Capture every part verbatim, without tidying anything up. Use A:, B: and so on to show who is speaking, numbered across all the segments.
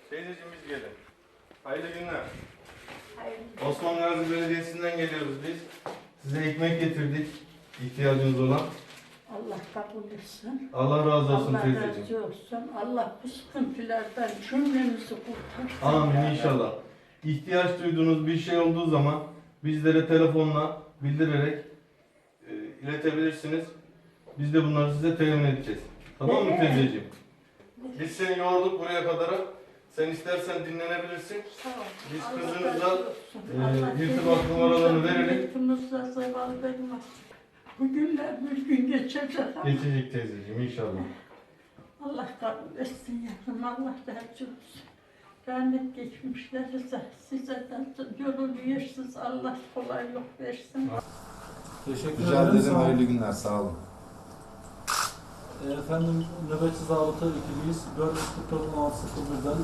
A: Teyzeciğim biz gelin. Hayırlı günler.
B: Hayırlı.
A: Osman Gazi Belediyesi'nden geliyoruz biz. Size ekmek getirdik. İhtiyacınız olan.
B: Allah kabul etsin.
A: Allah razı olsun
B: Allah
A: teyzeciğim.
B: razı olsun. Allah bu sıkıntılardan cümlemizi kurtarsın.
A: Amin inşallah. İhtiyaç duyduğunuz bir şey olduğu zaman bizlere telefonla bildirerek e, iletebilirsiniz. Biz de bunları size temin edeceğiz. Tamam mı teyzeciğim? Biz seni yorduk buraya kadar. Sen istersen dinlenebilirsin.
B: Sağ ol.
A: Biz
B: Allah
A: kızınıza,
B: razı olsun.
A: e,
B: Allah
A: irtibat numaralarını verelim.
B: Milletimize zeval vermez. Bu günler bir gün geçecek ama
A: Geçecek teyzeciğim inşallah.
B: Allah kabul etsin yavrum. Allah razı olsun. Rahmet geçmişlerinize, size de yolunu yersiz Allah kolaylık versin.
C: Teşekkür
D: Rica
C: ederim.
D: ederim. Hayırlı günler. Sağ olun.
C: Ee, Efendim nöbetçi zabıta ekibiyiz. dört yüz kırk dört on altı sıfır birden.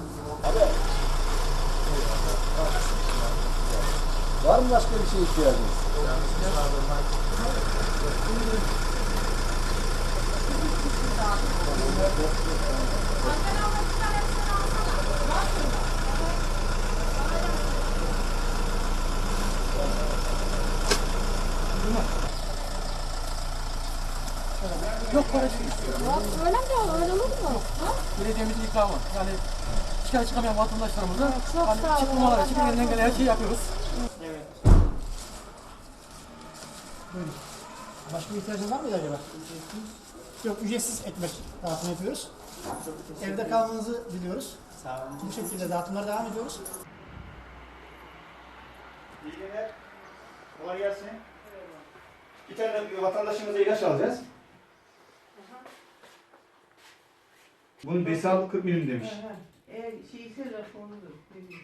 D: Var mı başka bir şey ihtiyacınız?
E: Yok parası istiyor.
F: Öyle mi? Öyle olur mu?
E: Belediyemizin ikramı. Yani çıkar çıkamayan vatandaşlarımıza
F: Çok
E: hani
F: sağ olun.
E: çıkmamaları için elinden gelen her şeyi yapıyoruz.
G: Buyurun. Başka bir ihtiyacın var mıydı acaba? Yok, ücretsiz ekmek dağıtım yapıyoruz. Evde kalmanızı diliyoruz. Sağ olun. Bu şekilde dağıtımlara devam ediyoruz.
H: İyi günler. Kolay gelsin. Bir tane vatandaşımıza ilaç alacağız. Bunun besi kırk milim demiş.
B: Eğer şeyse raporudur.